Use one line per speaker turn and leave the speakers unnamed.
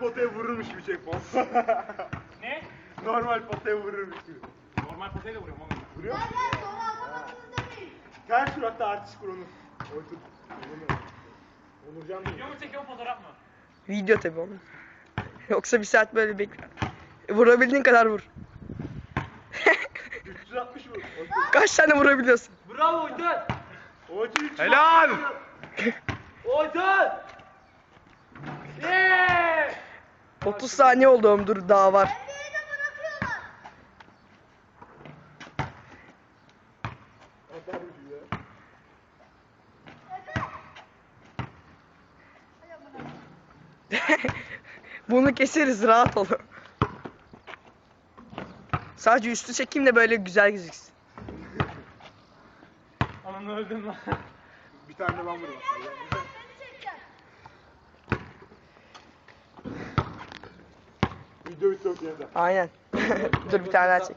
potaya vururmuş gibi çek bom.
Ne?
Normal potaya vururmuş gibi.
Normal potayla vuruyorum oğlum.
Vuruyor musun?
Nereden sonra atlamadınız demeyin.
Ters suratta artist kur onu. Otur. Onurcan
Video mu çekiyor fotoğraf mı?
Video tabii oğlum. Yoksa bir saat böyle bekle. Vurabildiğin kadar vur.
360 vur.
Kaç tane vurabiliyorsun?
Bravo Oytan.
Otur 360.
Helal!
Oytan! Yeee!
30 saniye oldu oğlum, dur daha var.
Elleri de bırakıyorlar.
Atar ucu ya.
Evet. Hay amına.
Bunu keseriz, rahat ol. Sadece üstü çekeyim de böyle güzel gözüksün.
Ananı öldüm lan.
Bir tane de ben vurayım.
Beni çekeceksin.
Video bitti okuyada.
Aynen. Dur bir tane daha çek.